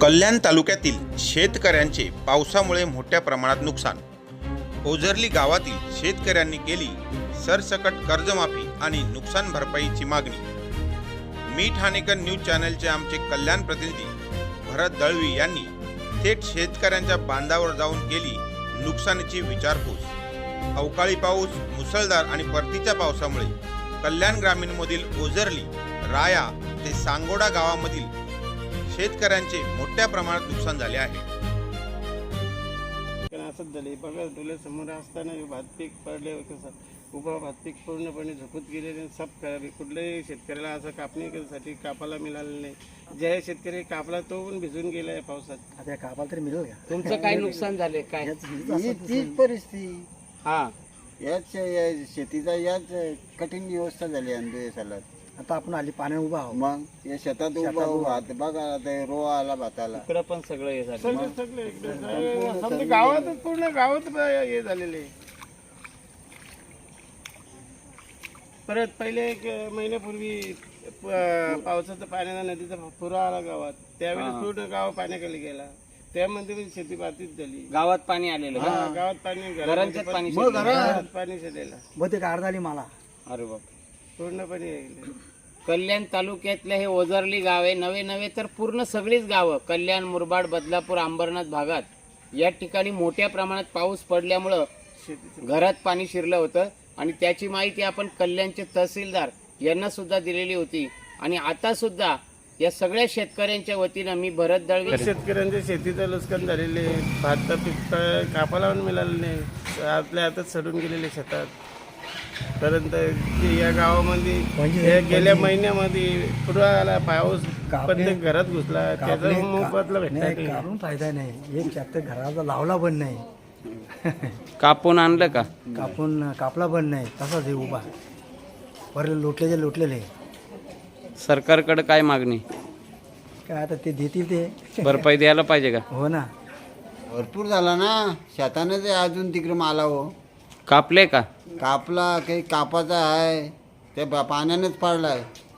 कल्याण तालुक्यातील शेतकऱ्यांचे पावसामुळे मोठ्या प्रमाणात नुकसान। ओझरली गावातील शेतकऱ्यांनी केली सरसकट कर्जमाफी आणि नुकसान भरपाईची मागणी। मी ठाणेकर न्यूज चॅनलचे आमचे कल्याण प्रतिनिधी भरत दळवी यांनी थेट शेतकऱ्यांच्या बांधावर जाऊन केली नुकसानीची विचारपूस। अवकाळी पाऊस, मुसळधार आणि परतीच्या पावसामुळे कल्याण ग्रामीणमधील ओझरली, राया ते सांगोडा गावामधील शेतकऱ्यांचे मोठ्या प्रमाणात नुकसान झाले आहे। असंच झाले बघा, डोळ्यासमोर असताना भात पीक पडले कसं उभा भात पीक पूर्णपणे झोपत गेलेले सब करावे। कुठल्याही शेतकऱ्याला असं कापणीसाठी कापाला मिळालं नाही। ज्या शेतकरी कापला तो पण भिजून गेलाय पावसात। आता कापाला तरी मिळेल का? तुमचं काय नुकसान झाले काय? तीच परिस्थिती हा, याच शेतीचा याच कठीण व्यवस्था झाली आंबे सालात। आता आपण आली पाण्यात उभा आहोत, मग या शेतात उभा भात बघा, रो आला भाताला, इकडं पण सगळं हे झालं। सगळे गावातच पूर्ण गावात हे झालेले। परत पहिले एक महिन्यापूर्वी पावसाचा पाण्याचा नदीचा पुरा आला गावात, त्यावेळी पूर्ण गाव पाण्याखाली गेला। त्यामध्ये शेती बाधित झाली। गावात पाणी आलेलं का? गावात पाणी, घरांच्यात पाणी घरात पाणी शिरलेलं। बहुतेक अर्धा आली मला। अरे बाप, पूर्णपणे कल्याण तालुक्यातले हे ओझरली गाव आहे। नवे तर पूर्ण सगळीच गावं कल्याण, मुरबाड, बदलापूर, अंबरनाथ भागात या ठिकाणी मोठ्या प्रमाणात पाऊस पडल्यामुळं घरात पाणी शिरलं होतं आणि त्याची माहिती आपण कल्याणचे तहसीलदार यांना सुद्धा दिलेली होती। आणि आता सुद्धा या सगळ्या शेतकऱ्यांच्या वतीनं मी भरत दळवी, शेतकऱ्यांच्या शेतीचं नुकसान झालेले, भात पीक कापाला पण मिळालं नाही, आपल्या हातात सडून गेलेले शेतात। परंतु या गावामध्ये गेल्या महिन्यामध्ये पुरा आला पाऊस, प्रत्येक घरात घुसला, त्याचा मोबदला भेटला काढून फायदा नाही। एक ट्रॅक्टर घराचा लावला पण नाही, कापून आणलं का? कापला पण नाही, तसाच हे उभा वरले लोटलेले। सरकारकडे काय मागणी? काय आता ते देतील ते भरपाई द्यायला पाहिजे का? हो ना, भरपूर झाला ना, शेतानं ते अजून तिकडे माला हो कापले का? कापला, काही कापाचा आहे, ते पाण्यानेच पडलाय।